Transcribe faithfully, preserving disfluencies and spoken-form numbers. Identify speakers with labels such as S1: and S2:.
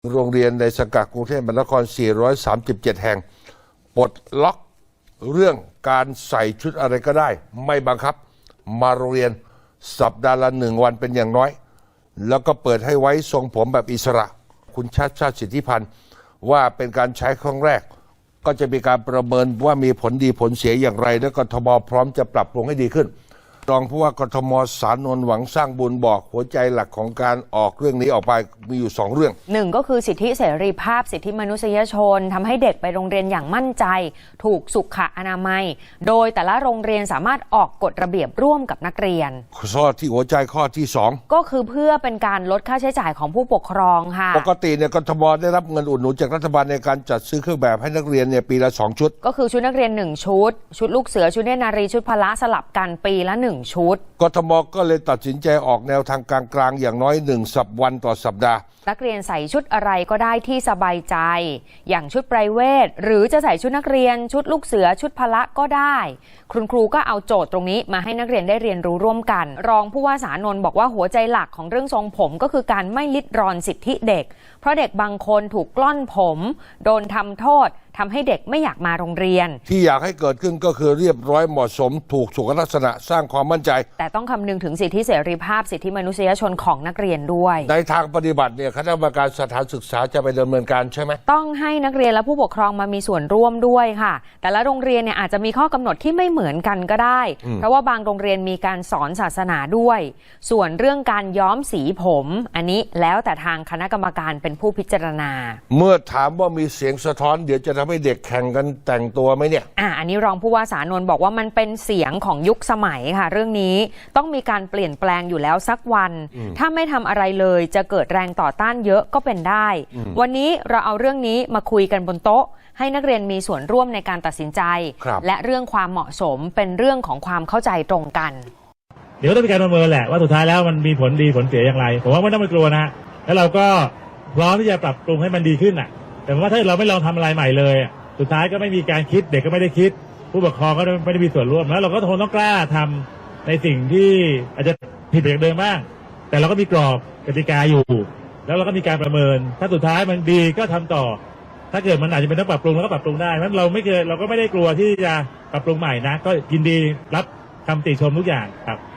S1: โรงเรียนในสังกัดกรุงเทพมหานคร สี่ร้อยสามสิบเจ็ด แห่งปลดล็อกเรื่องการใส่ชุดอะไรก็ได้ไม่บังคับมาโรงเรียนสัปดาห์ละหนึ่งวันเป็นอย่างน้อยแล้วก็เปิดให้ไว้ทรงผมแบบอิสระคุณชาติชาติสิทธิพันธ์ว่าเป็นการใช้ครั้งแรกก็จะมีการประเมินว่ามีผลดีผลเสียอย่างไรและกทมพร้อมจะปรับปรุงให้ดีขึ้นรองผู้ว่ากทมสานนท์หวังสร้างบุญบอกหัวใจหลักของการออกเรื่องนี้ออกไปมีอยู่สองเรื่อง
S2: หนึ่งก็คือสิทธิเสรีภาพสิทธิมนุษยชนทำให้เด็กไปโรงเรียนอย่างมั่นใจถูกสุขอนามัยโดยแต่ละโรงเรียนสามารถออกกฎระเบียบร่วมกับนักเรียน
S1: ข้อที่หัวใจข้อที่สอง
S2: ก็คือเพื่อเป็นการลดค่าใช้จ่ายของผู้ปกครองค่ะ
S1: ปกติเนี่ยกทมได้รับเงินอุดหนุนจากรัฐบาลในการจัดซื้อเครื่องแบบให้นักเรียนเนี่ยปีละสองชุด
S2: ก็คือชุดนักเรียนหนึ่งชุดชุดลูกเสือชุดเนตรนารีชุดพละสลับกันปีละหนึ่งชุด
S1: กทมก็เลยตัดสินใจออกแนวทางกลางๆอย่างน้อยหนึ่งสัปวันต่อสัปดาห์
S2: นักเรียนใส่ชุดอะไรก็ได้ที่สบายใจอย่างชุดไพรเวทหรือจะใส่ชุดนักเรียนชุดลูกเสือชุดพละก็ได้คุณครูก็เอาโจทย์ตรงนี้มาให้นักเรียนได้เรียนรู้ร่วมกันรองผู้ว่าสานนท์บอกว่าหัวใจหลักของเรื่องทรงผมก็คือการไม่ลิดรอนสิทธิเด็กเพราะเด็กบางคนถูกกล้อนผมโดนทำโทษทำให้เด็กไม่อยากมาโรงเรียน
S1: ที่อยากให้เกิดขึ้นก็คือเรียบร้อยเหมาะสมถูกสุขลักษณะสร้างความมั่นใจ
S2: แต่ต้องคำนึงถึงสิทธิเสรีภาพสิทธิมนุษยชนของนักเรียนด้วย
S1: ในทางปฏิบัติเนี่ยคณะกรรมการสถานศึกษาจะไปดำเนินการใช่ไหม
S2: ต้องให้นักเรียนและผู้ปกครองมามีส่วนร่วมด้วยค่ะแต่ละโรงเรียนเนี่ยอาจจะมีข้อกำหนดที่ไม่เหมือนกันก็ได้เพราะว่าบางโรงเรียนมีการสอนศาสนาด้วยส่วนเรื่องการย้อมสีผมอันนี้แล้วแต่ทางคณะกรรมการเป็นผู้พิจารณา
S1: เมื่อถามว่ามีเสียงสะท้อนเดี๋ยวจะทำให้เด็กแข่งกันแต่งตัวไหมเนี่ย
S2: อ่าอันนี้รองผู้ว่าสานนท์บอกว่ามันเป็นเสียงของยุคสมัยค่ะเรื่องนี้ต้องมีการเปลี่ยนแปลงอยู่แล้วสักวันถ้าไม่ทำอะไรเลยจะเกิดแรงต่อต้านเยอะก็เป็นได้วันนี้เราเอาเรื่องนี้มาคุยกันบนโต๊ะให้นักเรียนมีส่วนร่วมในการตัดสินใจและเรื่องความเหมาะสมเป็นเรื่องของความเข้าใจตรงกัน
S3: เดี๋ยวต้องมีการประเมินแหละว่าสุดท้ายแล้วมันมีผลดีผลเสียอย่างไรผมว่าไม่ต้องไปกลัวนะแล้วเราก็พร้อมที่จะปรับปรุงให้มันดีขึ้นอ่ะแต่ว่าถ้าเราไม่ลองทำอะไรใหม่เลยสุดท้ายก็ไม่มีการคิดเด็กก็ไม่ได้คิดผู้ปกครองก็ไม่ได้มีส่วนร่วมแล้วเราก็คงต้องกล้าทำในสิ่งที่อาจจะผิดจากเดิมบ้างแต่เราก็มีกรอบกติกาอยู่แล้วเราก็มีการประเมินถ้าสุดท้ายมันดีก็ทำต่อถ้าเกิดมันอาจจะเป็นต้องปรับปรุงแล้วก็ปรับปรุงได้เพราะเราไม่เคยเราก็ไม่ได้กลัวที่จะปรับปรุงใหม่นะก็ยินดีรับคำติชมทุกอย่างครับ